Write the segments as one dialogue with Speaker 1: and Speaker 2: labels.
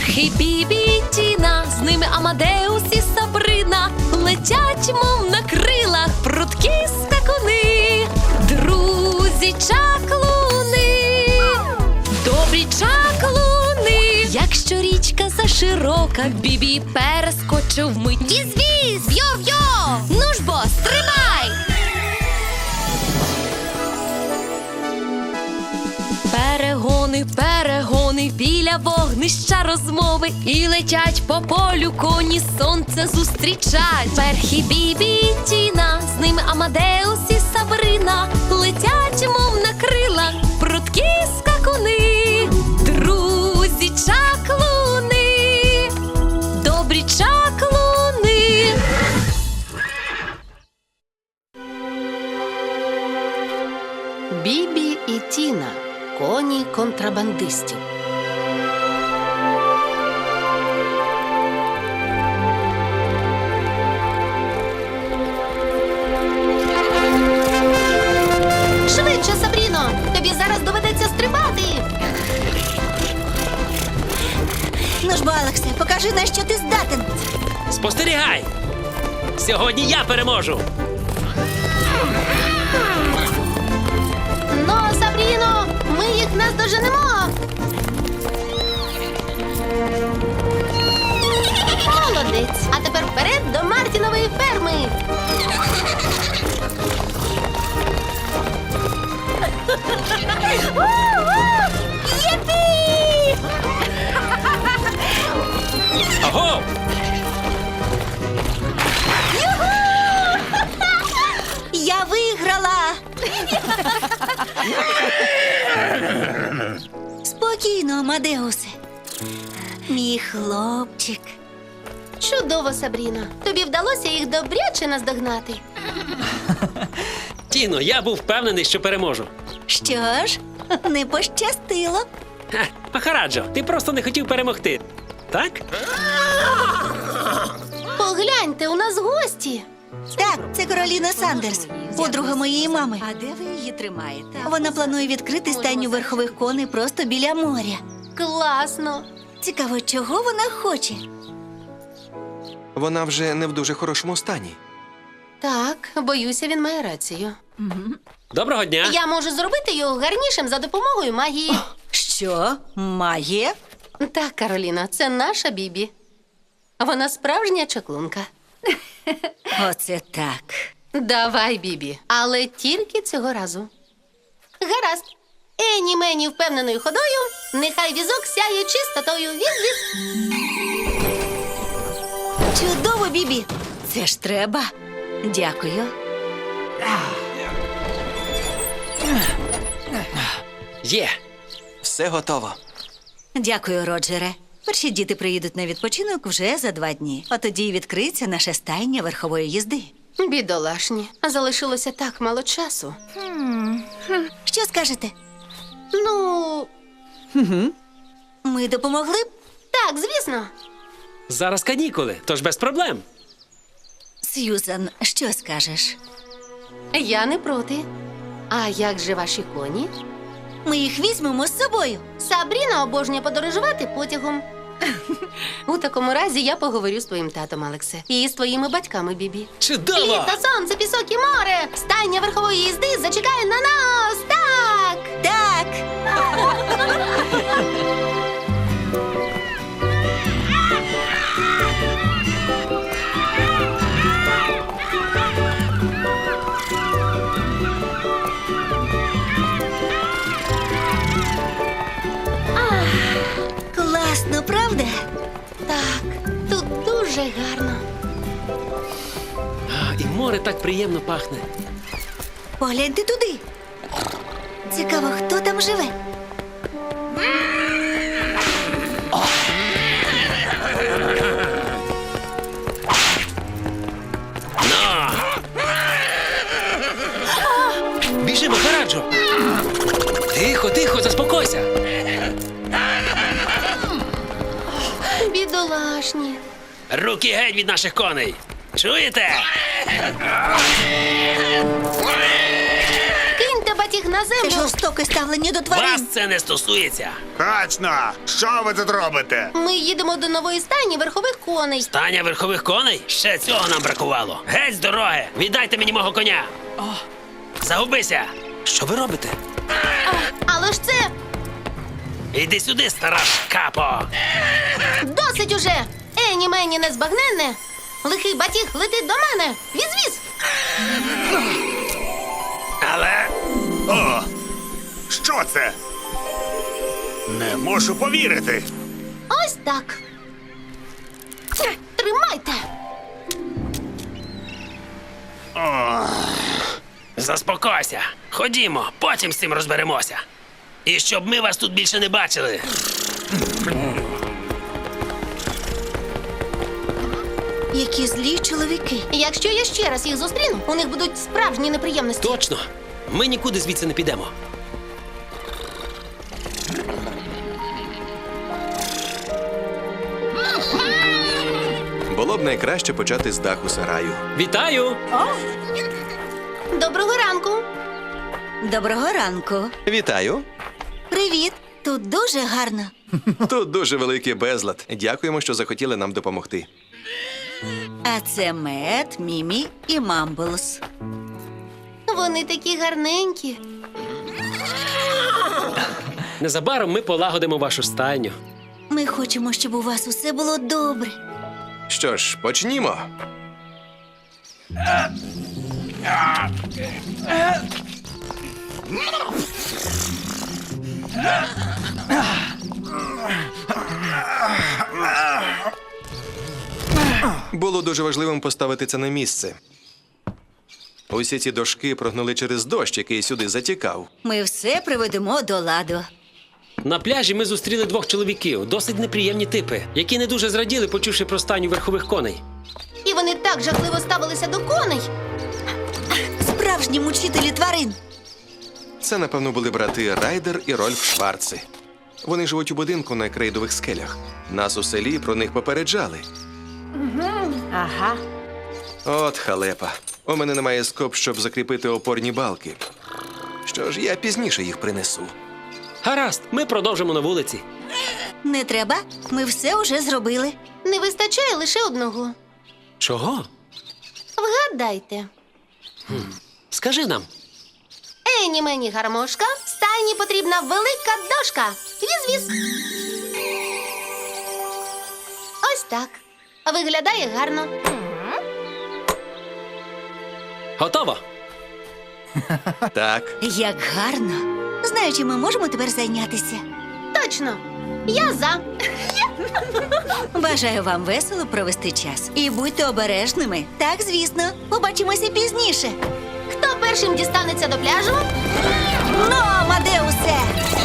Speaker 1: Перхі, Бібі і Тіна, з ними Амадеус і Сабрина, летять, мов на крилах, прудкі скакуни, друзі чаклуни, добрі чаклуни. Якщо річка заширока, Бібі перескочив вмить. Віз-віз, йо-йо, ну ж бо, стримай! Перегони, перегони, біля вогнища розмови, і летять по полю коні, сонце зустрічать. Перхі, Бібі і Тіна, з ними Амадеус і Сабрина, летять, мов на крилах, прудкі скакуни, друзі чаклуни, добрі чаклуни.
Speaker 2: Бібі і Тіна. Коні контрабандистів.
Speaker 3: Швидше, Сабріно! Тобі зараз доведеться стрибати! Ну ж бо, Алексе, покажи, на що ти здатен!
Speaker 4: Спостерігай! Сьогодні я переможу!
Speaker 3: Ну, Сабріно, ми їх наздоженемо! Молодець! А тепер вперед до Мартінової ферми! Єпі!
Speaker 4: Аго!
Speaker 3: Я виграла! Спокійно, Амадеусе. Мій хлопчик. Чудово, Сабріно. Тобі вдалося їх добряче наздогнати.
Speaker 4: Тіно, я був впевнений, що переможу.
Speaker 3: Що ж, не пощастило.
Speaker 4: Ха, Махараджо, ти просто не хотів перемогти. Так?
Speaker 3: Погляньте, у нас гості. Так, це Кароліна Сандерс, подруга моєї мами.
Speaker 1: А де ви її тримаєте?
Speaker 3: Вона планує відкрити стайню верхових коней просто біля моря. Класно. Цікаво, чого вона хоче?
Speaker 5: Вона вже не в дуже хорошому стані.
Speaker 2: Так, боюся, він має рацію.
Speaker 4: Доброго дня!
Speaker 3: Я можу зробити його гарнішим за допомогою магії.
Speaker 1: Що? Має?
Speaker 2: Так, Кароліна, це наша Бібі. Вона справжня чаклунка.
Speaker 1: Оце так.
Speaker 2: Давай, Бібі, але тільки цього разу.
Speaker 3: Гаразд. Ені мені впевненою ходою, нехай візок сяє чистотою. Віз-віз. Чудово, Бібі.
Speaker 1: Це ж треба. Дякую.
Speaker 4: Є!
Speaker 5: Все готово.
Speaker 1: Дякую, Роджере. Перші діти приїдуть на відпочинок вже за 2 дні. А тоді й відкриється наша стайня верхової їзди.
Speaker 2: Бідолашні, залишилося так мало часу.
Speaker 3: Що скажете?
Speaker 2: Ну,
Speaker 3: Ми допомогли б? Так, звісно.
Speaker 4: Зараз канікули, тож без проблем.
Speaker 1: Сьюзан, що скажеш?
Speaker 2: я не проти. А як же ваші коні?
Speaker 3: Ми їх візьмемо з собою. Сабріна обожнює подорожувати потягом.
Speaker 2: У такому разі я поговорю з твоїм татом, Алексе. І з твоїми батьками, Бібі.
Speaker 4: Чудово!
Speaker 3: Літо, сонце, пісок і море. Стайня верхової їзди зачекає на нас. Так! Так! Класно, правда?
Speaker 2: Так, тут дуже гарно.
Speaker 4: І море так приємно пахне.
Speaker 3: Погляньте туди. Цікаво, хто там живе?
Speaker 4: Біжи, Махараджо! Тихо, тихо, заспокойся!
Speaker 2: Бідолашні.
Speaker 4: Руки геть від наших коней! Чуєте?
Speaker 3: Киньте батіг на землю жорстоке ставлення до тварин.
Speaker 4: Вас це не стосується.
Speaker 6: Точно! Що ви тут робите?
Speaker 2: Ми їдемо до нової стайні верхових коней.
Speaker 4: Стання верхових коней? Ще цього нам бракувало. Геть з дороги! Віддайте мені мого коня! Загубися!
Speaker 5: Що ви робите?
Speaker 2: Але ж це
Speaker 4: Іди сюди, стара капо!
Speaker 2: досить уже! Ені мені незбагненне! Лихий батіг летить до мене! Віз-віз!
Speaker 4: Але
Speaker 6: О! Що це? Не можу повірити.
Speaker 2: Ось так. Тримайте!
Speaker 4: заспокойся. Ходімо, потім з цим розберемося. І щоб ми вас тут більше не бачили.
Speaker 3: Які злі чоловіки.
Speaker 2: Якщо я ще раз їх зустріну, у них будуть справжні неприємності.
Speaker 4: Точно. Ми нікуди звідси не підемо.
Speaker 5: Було б найкраще почати з даху сараю.
Speaker 4: Вітаю!
Speaker 2: Доброго ранку!
Speaker 1: Доброго ранку.
Speaker 5: Вітаю!
Speaker 3: Привіт. Тут дуже гарно.
Speaker 5: Тут дуже великий безлад. Дякуємо, що захотіли нам допомогти.
Speaker 1: А це Мед, Мімі і Мамблс.
Speaker 2: Вони такі гарненькі.
Speaker 4: Незабаром ми полагодимо вашу стайню.
Speaker 3: Ми хочемо, щоб у вас усе було добре.
Speaker 5: Що ж, почнімо. Було дуже важливим поставити це на місце. Усі ці дошки прогнили через дощ, який сюди затікав.
Speaker 1: Ми все приведемо до ладу.
Speaker 4: На пляжі ми зустріли двох чоловіків, досить неприємні типи, які не дуже зраділи, почувши про стайню верхових коней.
Speaker 2: І вони так жахливо ставилися до коней.
Speaker 3: Справжні мучителі тварин.
Speaker 5: Це, напевно, були брати Райдер і Рольф Шварци. Вони живуть у будинку на крейдових скелях. Нас у селі про них попереджали.
Speaker 1: Ага.
Speaker 5: От халепа. У мене немає скоб, щоб закріпити опорні балки. Що ж, я пізніше їх принесу.
Speaker 4: Гаразд, ми продовжимо на вулиці.
Speaker 3: Не треба. Ми все уже зробили.
Speaker 2: Не вистачає лише одного.
Speaker 4: Чого?
Speaker 2: Вгадайте.
Speaker 4: Скажи нам.
Speaker 2: Ені мені гармошка, стайні потрібна велика дошка. Віз-віз. Ось так. Виглядає гарно.
Speaker 4: Готово?
Speaker 5: Так,
Speaker 1: Як гарно.
Speaker 3: Знаю, чим ми можемо тепер зайнятися.
Speaker 2: Точно. Я за.
Speaker 1: Бажаю вам весело провести час. І будьте обережними.
Speaker 3: Так, звісно. Побачимося пізніше.
Speaker 2: Хто першим дістанеться до пляжу?
Speaker 3: Ну, Амадеусе!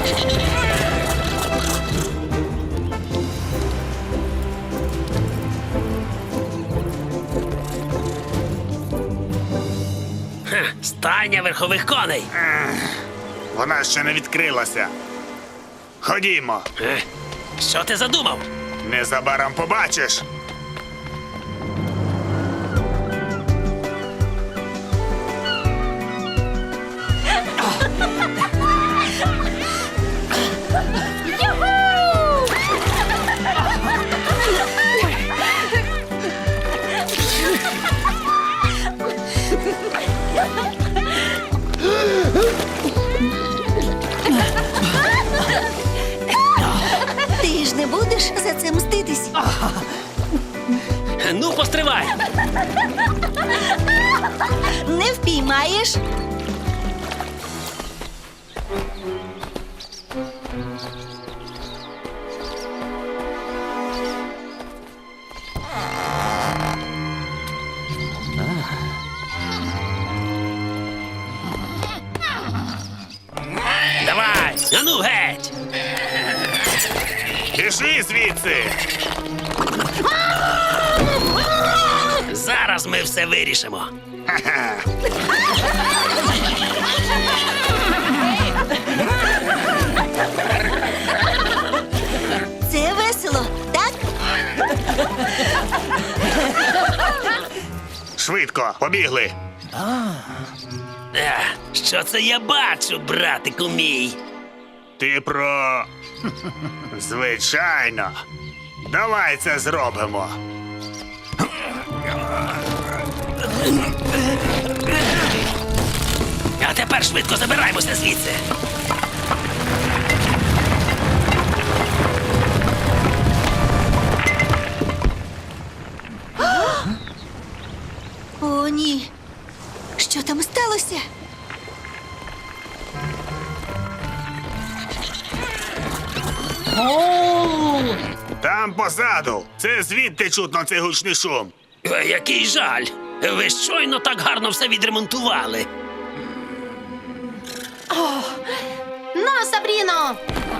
Speaker 4: Стайня верхових коней.
Speaker 6: Вона ще не відкрилася. Ходімо.
Speaker 4: Що ти задумав?
Speaker 6: Незабаром побачиш.
Speaker 3: Ти ж не будеш за це мститись?
Speaker 4: Ну, постривай!
Speaker 3: Не впіймаєш?
Speaker 4: Давай! Ану геть!
Speaker 6: Пішли звідси.
Speaker 4: Зараз ми все вирішимо.
Speaker 3: Це весело, так?
Speaker 6: Швидко, побігли.
Speaker 4: Що це я бачу, братику мій?
Speaker 6: Ти про. Звичайно. Давай це зробимо.
Speaker 4: А тепер швидко забираємося звідси.
Speaker 3: О, ні. Що там сталося?
Speaker 6: Там позаду. Це звідти чутно цей гучний шум.
Speaker 4: Який жаль. Ви щойно так гарно все відремонтували.
Speaker 2: На, Сабріно!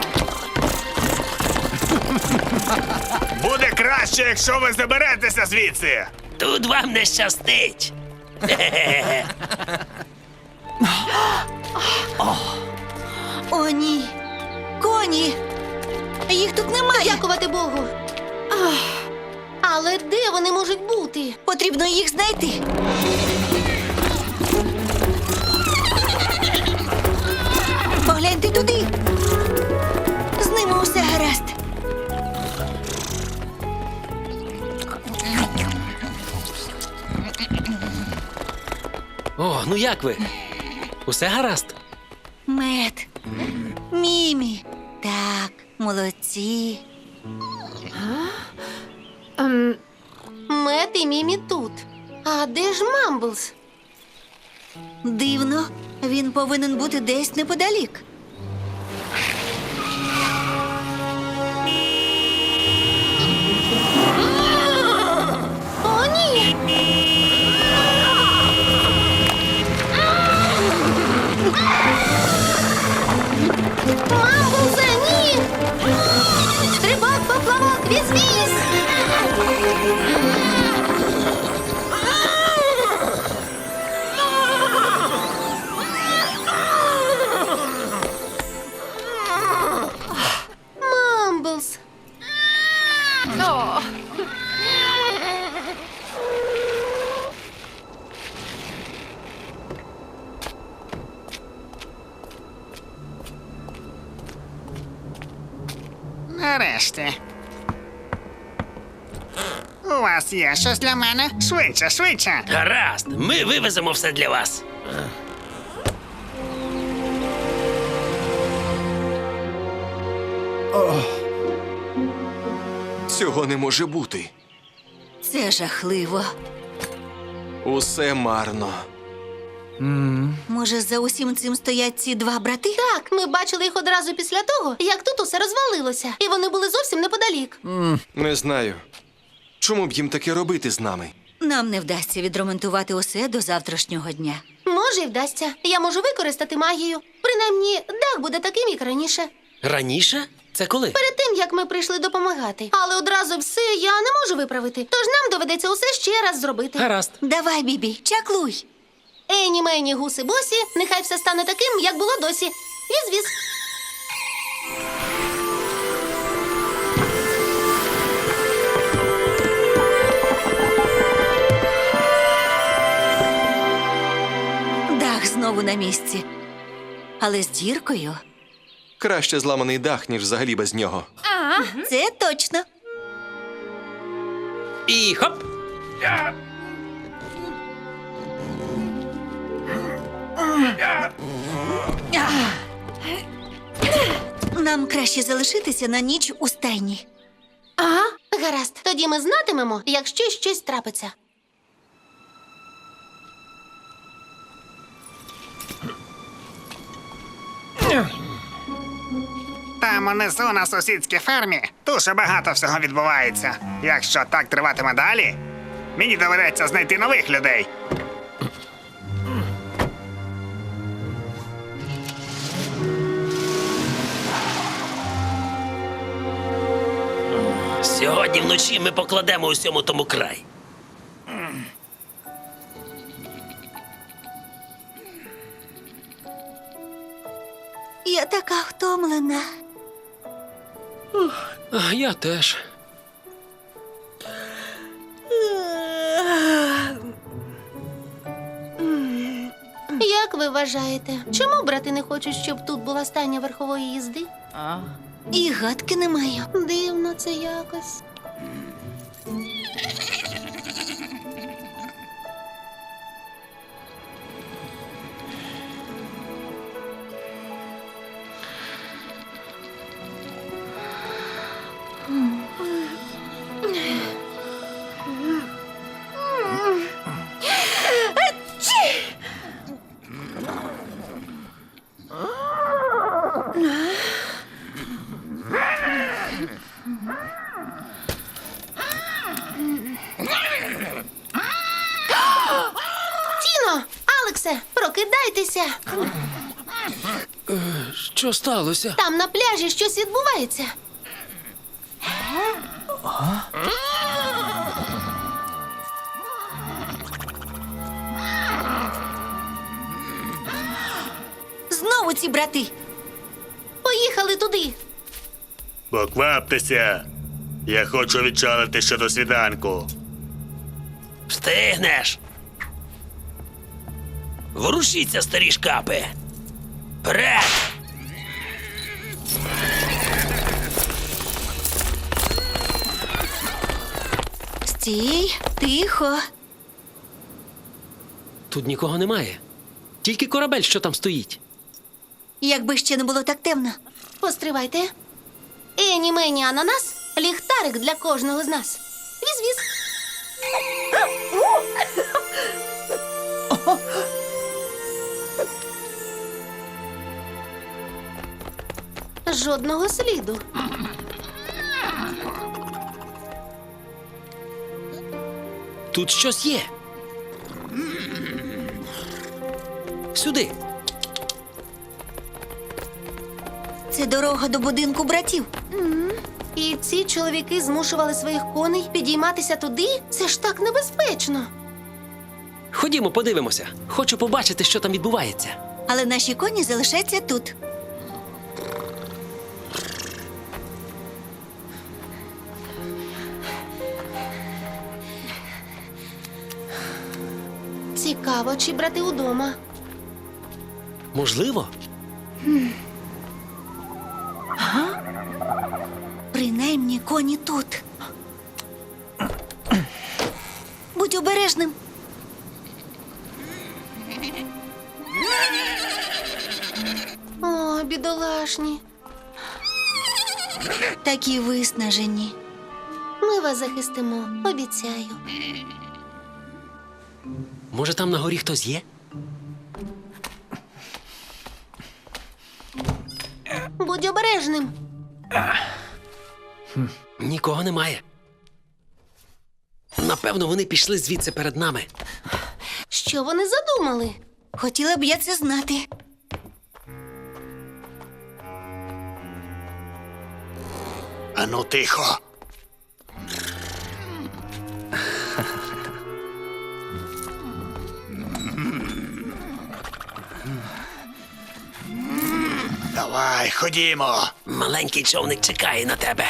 Speaker 6: Буде краще, якщо ви заберетеся звідси.
Speaker 4: Тут вам не щастить.
Speaker 3: О, ні. Коні. Їх тут немає.
Speaker 2: Дякувати Богу. Але де вони можуть бути?
Speaker 3: Потрібно їх знайти. Погляньте туди. З ними усе гаразд.
Speaker 4: О, ну як ви? Усе гаразд?
Speaker 3: Мед. Мімі. Так, молодці.
Speaker 2: Мет і Мімі тут. А де ж Мамблс?
Speaker 3: Дивно. Він повинен бути десь неподалік.
Speaker 2: О, ні! Мамблсе, ні! Стрибок, поплавок, віз-віз! Мамблс!
Speaker 7: Нарешті. У вас є щось для мене? Швидше, швидше.
Speaker 4: Гаразд, ми вивеземо все для вас.
Speaker 5: Цього не може бути.
Speaker 3: Це жахливо.
Speaker 5: Усе марно.
Speaker 3: Може, за усім цим стоять ці два брати?
Speaker 2: Так, ми бачили їх одразу після того, як тут усе розвалилося. І вони були зовсім неподалік.
Speaker 5: Не знаю. Чому б їм таке робити з нами?
Speaker 3: Нам не вдасться відремонтувати усе до завтрашнього дня.
Speaker 2: Може, й вдасться. Я можу використати магію. Принаймні, дах буде таким, як раніше.
Speaker 4: Раніше? Це коли?
Speaker 2: Перед тим, як ми прийшли допомагати. Але одразу все я не можу виправити. Тож нам доведеться усе ще раз зробити.
Speaker 4: Гаразд.
Speaker 3: Давай, Бібі, чаклуй.
Speaker 2: Ені мені гуси босі, нехай все стане таким, як було досі. Віз-віз.
Speaker 3: Дах знову на місці. Але з діркою.
Speaker 5: Краще зламаний дах, ніж взагалі без нього.
Speaker 3: Це точно.
Speaker 4: І хоп!
Speaker 3: Нам краще залишитися на ніч у стайні.
Speaker 2: Ага, гаразд. Тоді ми знатимемо, якщо щось трапиться.
Speaker 7: Там унизу на сусідській фермі дуже багато всього відбувається. Якщо так триватиме далі, мені доведеться знайти нових людей.
Speaker 4: Сьогодні вночі ми покладемо усьому тому край.
Speaker 3: Я така втомлена.
Speaker 4: Я теж.
Speaker 2: Я Як ви вважаєте, чому брати не хочуть, щоб тут була стайня верхової їзди?
Speaker 3: І гадки не маю.
Speaker 2: Дивно це якось. Тіно! Алексе, прокидайтеся!
Speaker 4: Що сталося?
Speaker 2: Там на пляжі щось відбувається.
Speaker 3: Знову ці брати.
Speaker 2: Поїхали туди.
Speaker 6: Покваптеся. Я хочу відчалити ще до свіданку.
Speaker 4: Встигнеш. Ворушіться, старі шкапи. Вперед!
Speaker 3: Стій, тихо.
Speaker 4: Тут нікого немає. Тільки корабель, що там стоїть.
Speaker 3: Якби ще не було так темно.
Speaker 2: Постривайте. Ені мені ананас, ліхтарик для кожного з нас. Віз-віз. Жодного сліду.
Speaker 4: Тут щось є. Сюди.
Speaker 3: Це дорога до будинку братів.
Speaker 2: І ці чоловіки змушували своїх коней підійматися туди? Це ж так небезпечно.
Speaker 4: Ходімо, подивимося. Хочу побачити, що там відбувається.
Speaker 3: Але наші коні залишаться тут.
Speaker 2: Цікаво, чи брати удома.
Speaker 4: Можливо?
Speaker 3: Принаймні коні тут. Будь обережним.
Speaker 2: О, бідолашні.
Speaker 3: Такі виснажені.
Speaker 2: Ми вас захистимо, обіцяю.
Speaker 4: Може, там на горі хтось є?
Speaker 2: Будь обережним.
Speaker 4: Нікого немає. Напевно, вони пішли звідси перед нами.
Speaker 2: Що вони задумали?
Speaker 3: Хотіла б я це знати.
Speaker 6: Ану, тихо. Давай, ходімо.
Speaker 4: Маленький човник чекає на тебе.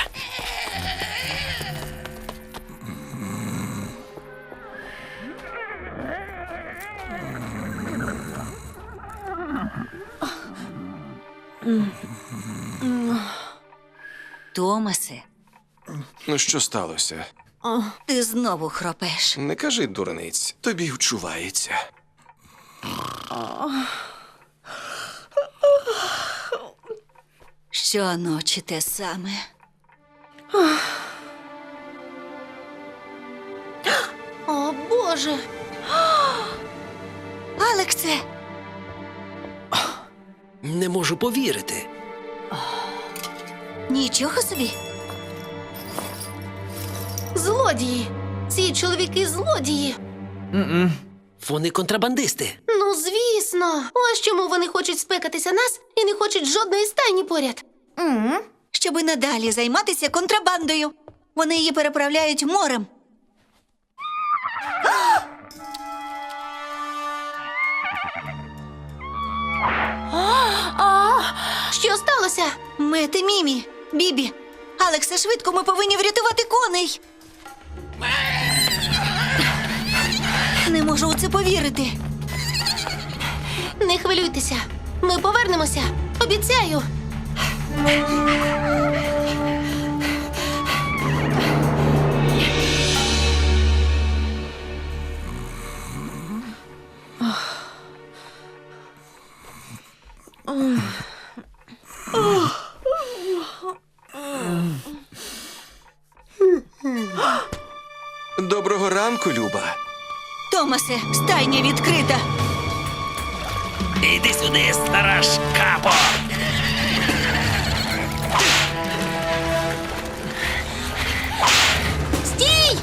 Speaker 1: Томасе,
Speaker 5: Ну, що сталося?
Speaker 1: ти знову хропеш.
Speaker 5: Не кажи дурниць, тобі вчувається.
Speaker 1: Щоночі те саме.
Speaker 2: О, Боже!
Speaker 3: Алексе!
Speaker 4: Не можу повірити.
Speaker 3: Нічого собі.
Speaker 2: Злодії! Ці чоловіки злодії!
Speaker 4: Вони контрабандисти.
Speaker 2: Ну, звісно! Ось чому вони хочуть спекатися нас і не хочуть жодної стайні поряд.
Speaker 3: Щоби надалі займатися контрабандою. Вони її переправляють морем.
Speaker 2: Що сталося?
Speaker 3: Мете, Мімі, Бібі. Алексе, швидко, ми повинні врятувати коней. Не можу у це повірити.
Speaker 2: Не хвилюйтеся. Ми повернемося. Обіцяю.
Speaker 5: Доброго ранку, Люба.
Speaker 1: Томасе, стайня відкрита.
Speaker 4: Іди сюди, стара шкапо!
Speaker 2: Стій!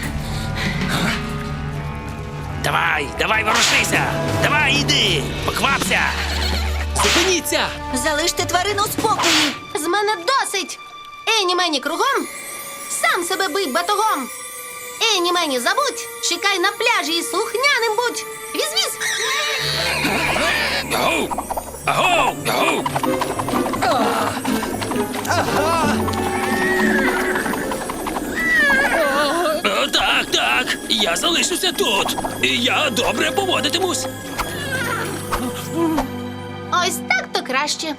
Speaker 4: Давай, ворушися! Давай, іди! Поквапся! Зупиніться!
Speaker 1: Залиште тварину у спокої.
Speaker 2: З мене досить! Ені мені кругом, сам себе бий батогом. Ені мені забудь, чекай на пляжі і слухняним будь. Віз-віз!
Speaker 4: Агоу! Агоу! Агоу! Так, я залишуся тут. І я добре поводитимусь.
Speaker 2: Ось так то краще.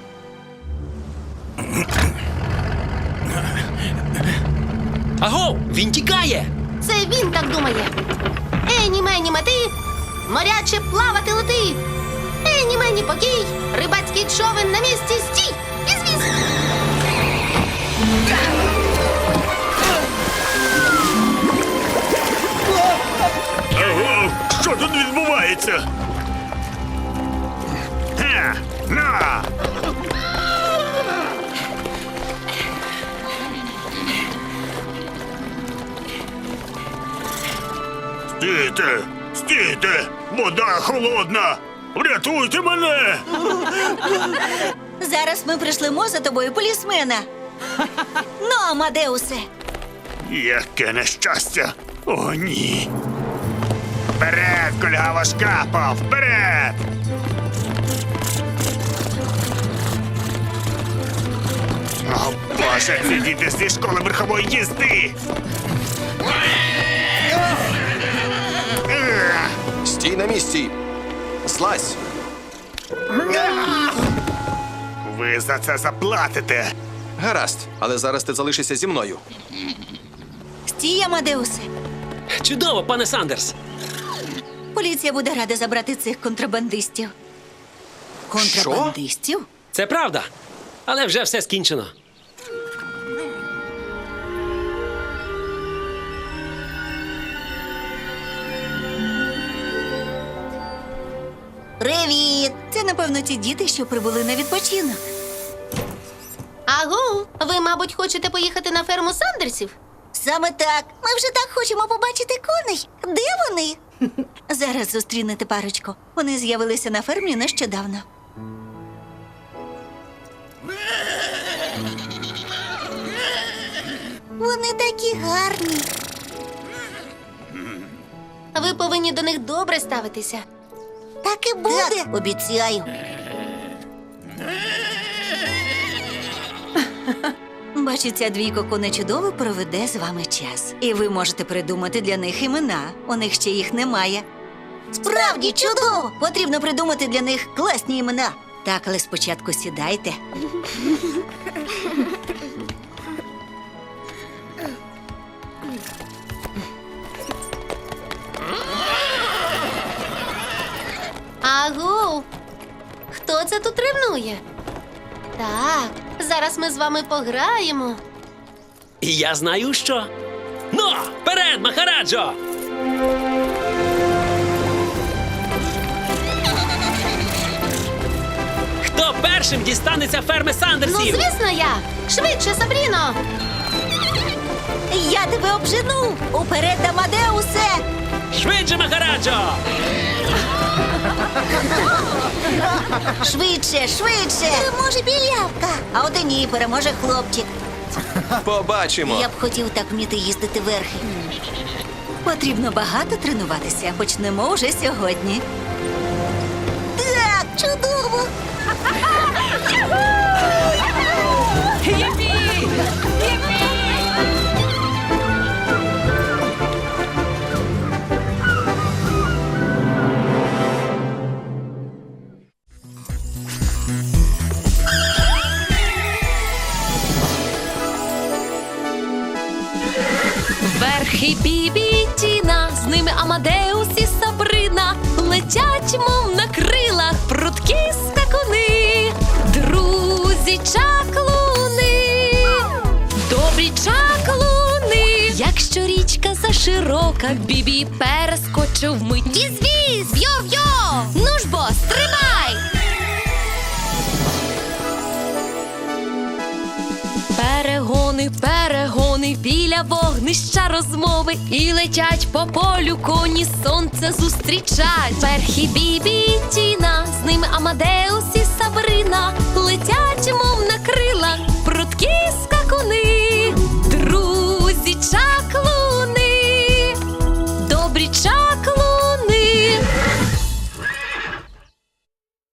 Speaker 4: Агоу! Він тікає!
Speaker 2: Це він так думає. Ені мені мети, моряче плавати лети. Ені мені покій, рибацький човен на місці стій. Віз-віз!
Speaker 6: Ого, що тут відбувається? На! Стійте! Стійте! Вода холодна! Врятуйте мене!
Speaker 1: Зараз ми пришлемо за тобою полісмена. Ну, Амадеусе.
Speaker 6: Яке нещастя! О, ні! Вперед, кульгаво шкапо! Вперед! О, Боже, ці діти зі школи верхової їзди!
Speaker 5: Стій на місці. Злазь.
Speaker 6: Ви за це заплатите!
Speaker 5: Гаразд, але зараз ти залишишся зі мною.
Speaker 1: Стій, Амадеусе.
Speaker 4: Чудово, пане Сандерс!
Speaker 1: Поліція буде рада забрати цих контрабандистів. Контрабандистів?
Speaker 4: Це правда. Але вже все скінчено.
Speaker 1: Привіт! Це, напевно, ті діти, що прибули на відпочинок.
Speaker 2: Агу, ви, мабуть, хочете поїхати на ферму Сандерсів?
Speaker 1: Саме так. Ми вже так хочемо побачити коней. Де вони? Зараз зустрінете парочку. Вони з'явилися на фермі нещодавно. Вони такі гарні.
Speaker 2: Ви повинні до них добре ставитися.
Speaker 1: Так і буде. Так, обіцяю. Бачу, ця двійко коне чудово проведе з вами час. І ви можете придумати для них імена. У них ще їх немає. Справді чудово! Потрібно придумати для них класні імена. Так, але спочатку сідайте.
Speaker 2: Агу, хто це тут ревнує? Так, зараз ми з вами пограємо.
Speaker 4: І я знаю, що. Ну, вперед, Махараджо! Хто першим дістанеться ферми
Speaker 2: Ну,
Speaker 4: Сандерсів?
Speaker 2: звісно, я! Швидше, Сабріно!
Speaker 1: Я тебе обжену! Уперед, Амадеусе!
Speaker 4: Швидше, Махараджо!
Speaker 1: Швидше, швидше! Переможе білявка! А от і ні, переможе хлопчик.
Speaker 5: Побачимо.
Speaker 1: Я б хотів так вміти їздити верхи. Потрібно багато тренуватися. Почнемо вже сьогодні. Так, чудово!
Speaker 2: Перхий, Бібі і Тіна, з ними Амадеус і Сабрина. Летять, мов на крилах, прудкі скакуни. Друзі чаклуни, добрі чаклуни. Якщо річка заширока, Бібі перескочив вмить. Віз-віз, йо-йо, ну ж бо, стрибай! Перегони, перегони, біля вогнища розмови. І летять по полю коні, сонце зустрічать. Перхі, Бібі і Тіна, з ними Амадеус і